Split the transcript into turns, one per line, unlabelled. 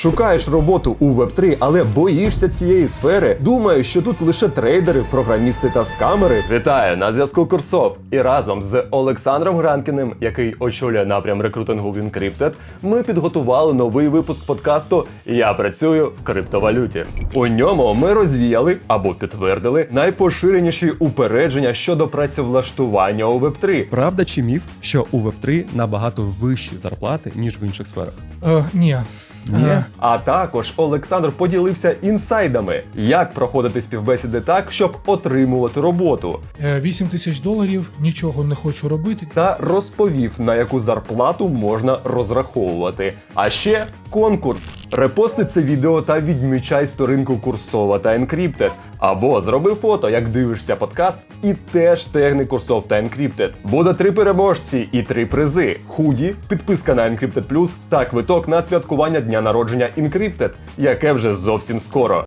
Шукаєш роботу у Web3, але боїшся цієї сфери? Думаєш, що тут лише трейдери, програмісти та скамери? Вітаю, на зв'язку Курсов. І разом з Олександром Гранкіним, який очолює напрям рекрутингу в Encrypted, ми підготували новий випуск подкасту «Я працюю в криптовалюті». У ньому ми розвіяли або підтвердили найпоширеніші упередження щодо працевлаштування у Web3.
Правда чи міф, що у Web3 набагато вищі зарплати, ніж в інших сферах?
Ні.
А також Олександр поділився інсайдами, як проходити співбесіди так, щоб отримувати роботу.
$8 000, нічого не хочу робити.
Та розповів, на яку зарплату можна розраховувати. А ще конкурс. Репости це відео та відмічай сторінку Курсова та Encrypted. Або зроби фото, як дивишся подкаст, і теж тегни Курсов та Encrypted. Буде 3 переможці і 3 призи. Худі, підписка на Encrypted Plus та квиток на святкування дня народження Encrypted, яке вже зовсім скоро.